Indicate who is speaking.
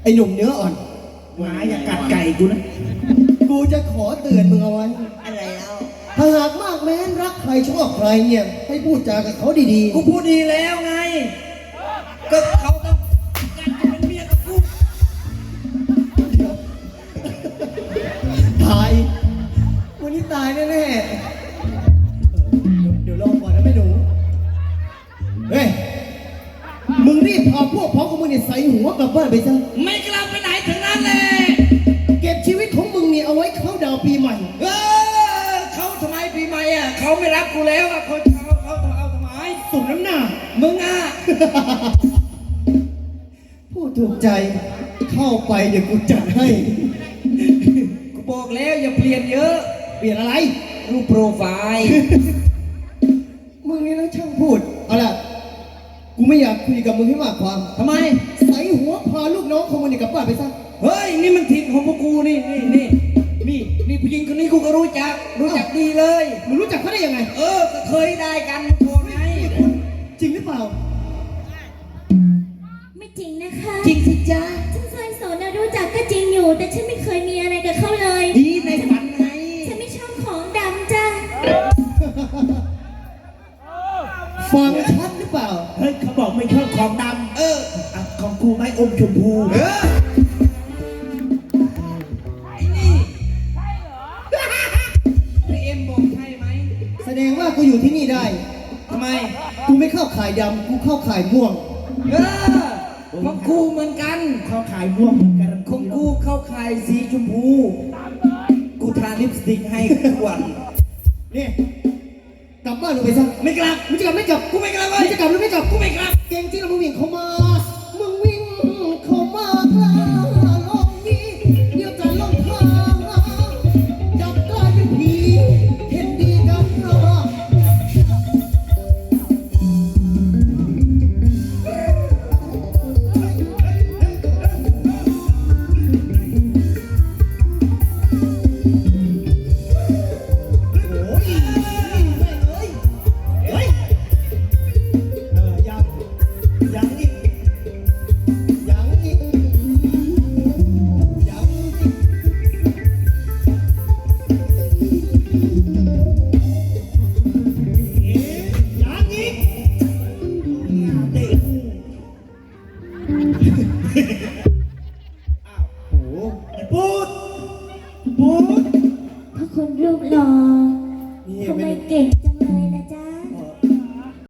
Speaker 1: หนุ่มเนื้ออ่อน
Speaker 2: หมาอย่ากัดไก่กูนะ
Speaker 1: กูจะขอเตือนมึงเอาไว้
Speaker 3: อะไรแล้ว
Speaker 1: ถ้าหากมากแม้นรักใครชอบใครเนี่ยให้พูดจากับเขาดีๆ
Speaker 2: กูพูดดีแล้วไงก็เขาต้องการจะเป็นเมียกับกู
Speaker 1: ตายวันนี้ตายแน่ๆเดี๋ยวรอก่อนนะแม่หนูเฮ้ยมึงรีบพาพวกพ้องของมึงเนี่ยใส่หัวกลับบ้านไปซะ
Speaker 2: ไม่กลับไปไหนถึงนั้นเลย
Speaker 1: เก็บชีวิตของมึงเนี่ยเอาไว้เข้าดาวปีใหม่
Speaker 2: เขาทำไมปีใหม่อ่ะเขาไม่รักกูแล้วอ่ะเขาเอาทำไม
Speaker 1: สมน้ำหน้า
Speaker 2: มึงอ่ะ
Speaker 1: พูดถูกใจเข้าไปเดี๋ยวกูจัดให้
Speaker 2: กูบอกแล้วอย่าเปลี่ยนเยอะ
Speaker 1: เปลี่ยนอะไร
Speaker 2: รูปโปรไฟล์
Speaker 1: มึงนี่นะช่างพูดเอาล่ะกูไม่อยากคุยกับมึงให้มากความ
Speaker 2: ทำไม
Speaker 1: ใส่หัวพาลูกน้องของมึงเนี่ยกลับบ้านไปซะ
Speaker 2: เฮ้ยนี่มันถิ่นของพวกกูนี่ผู้หญิงคนนี้กูก็รู้จักดีเลย
Speaker 1: มึงรู้จักเขาได้ยังไง
Speaker 2: ก็เคยได้กันก่อนไง
Speaker 1: จริงหรือเปล่า
Speaker 4: ไม่จริงนะคะ
Speaker 2: จริงสิจ๊ะ
Speaker 4: ฉันเคยสอนนะรู้จักก็จริงอยู่แต่ฉันไม่เคยมีอะไรกับเขาเลย
Speaker 2: ดีในฝันไง
Speaker 4: ฉันไม่ชอบของดำจ้ะ
Speaker 1: ฟังชัดหรือเปล่า
Speaker 2: เฮ้ยเขาบอกไม่ชอบของดำของกูไม่อมชมพูไอ้นี่ใช่เหรอเอ็มบอกใช่ไหม
Speaker 1: แสดงว่ากูอยู่ที่นี่ได้
Speaker 2: ทำไม
Speaker 1: กูไม่เข้าข่ายดำกูเข้าข่ายม่วง
Speaker 2: ของกูเหมือนกันเข้าข่ายม่วงเหมือนกันของกูเข้าข่ายสีชมพูกูทาลิปสติกให้ทุกวัน
Speaker 1: นี่กลับบ้านลงไปซะ
Speaker 2: ไม่กลับ
Speaker 1: ไม่กลับกูไม่กลับ
Speaker 2: ไม่จะกลับหรือไม่กลับกูไม่กลับ
Speaker 1: เก่งจริงเรามึงเหวี่ยงเขามา